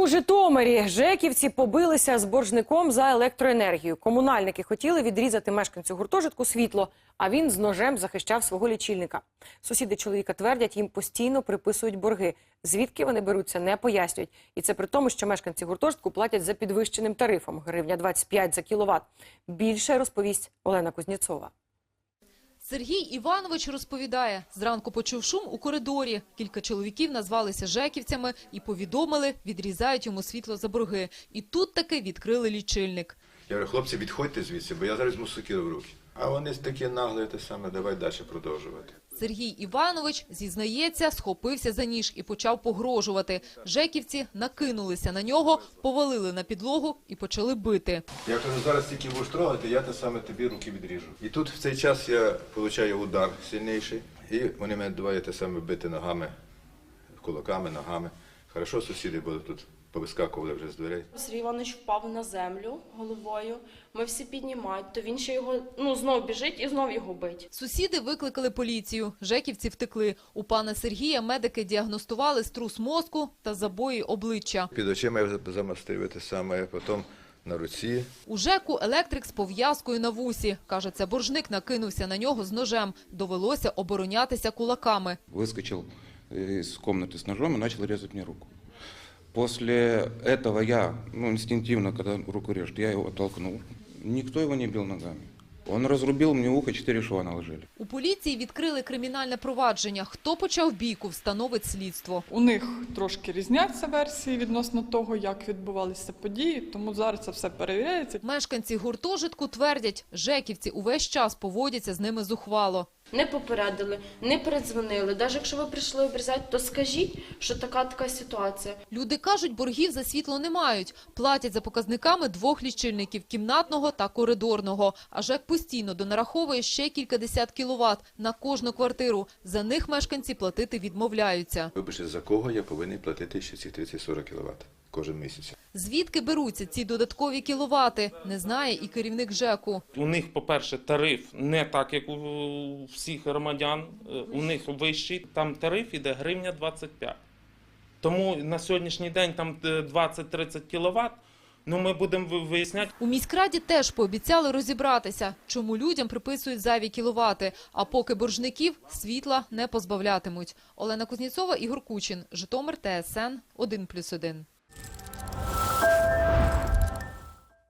У Житомирі жеківці побилися з боржником за електроенергію. Комунальники хотіли відрізати мешканцю гуртожитку світло, а він з ножем захищав свого лічильника. Сусіди чоловіка твердять, їм постійно приписують борги. Звідки вони беруться, не пояснюють. І це при тому, що мешканці гуртожитку платять за підвищеним тарифом – гривня 25 за кіловат. Більше розповість Олена Кузнєцова. Сергій Іванович розповідає, зранку почув шум у коридорі. Кілька чоловіків назвалися жеківцями і повідомили, відрізають йому світло за борги. І тут таки відкрили лічильник. Я говорю, хлопці, відходьте звідси, бо я зараз візьму сокиру в руки. А вони такі наглі, те саме, давай далі продовжувати. Сергій Іванович, зізнається, схопився за ніж і почав погрожувати. Жеківці накинулися на нього, повалили на підлогу і почали бити. Я кажу, зараз тільки будеш трогати, я те саме тобі руки відріжу. І тут в цей час я отримую удар сильніший, і вони мене давай те саме бити ногами, кулаками, ногами. Хорошо, сусіди були тут, повискакували вже з дверей. Сергій Іванович впав на землю головою, ми всі піднімають, то він ще його, знов біжить і знов його бить. Сусіди викликали поліцію, жеківці втекли. У пана Сергія медики діагностували струс мозку та забої обличчя. Під очима я замастив те саме, потім на руці. У ЖЕКу електрик з пов'язкою на вусі. Каже, це боржник накинувся на нього з ножем. Довелося оборонятися кулаками. Выскочил из комнаты с ножом и начал резать мне руку. После этого я, инстинктивно, когда руку режет, я его оттолкнул. Никто его не бил ногами. Он разрубил мне ухо, 4 шва наложили. У поліції відкрили кримінальне провадження. Хто почав бійку, встановить слідство. У них трошки різняться версії відносно того, як відбувалися події, тому зараз це все перевіряється. Мешканці гуртожитку твердять, жеківці увесь час поводяться з ними зухвало. Не попередили, не передзвонили. Навіть якщо ви прийшли обрізати, то скажіть, що така ситуація. Люди кажуть, боргів за світло не мають. Платять за показниками 2 лічильників – кімнатного та коридорного. А ЖЕК постійно донараховує ще кількадесят кіловат на кожну квартиру. За них мешканці платити відмовляються. Вибачте, за кого я повинен платити ще ці 30-40 кВт кожен місяць? Звідки беруться ці додаткові кіловати, не знає і керівник ЖЕКу. У них, по-перше, тариф не так, як у всіх громадян, у них вищий, там тариф іде гривня 25. Тому на сьогоднішній день там 20-30 кіловат, ми будемо виясняти. У міськраді теж пообіцяли розібратися, чому людям приписують зайві кіловати, а поки боржників світла не позбавлятимуть. Олена Кузнєцова, Ігор Кучин, Житомир, ТСН 1+1.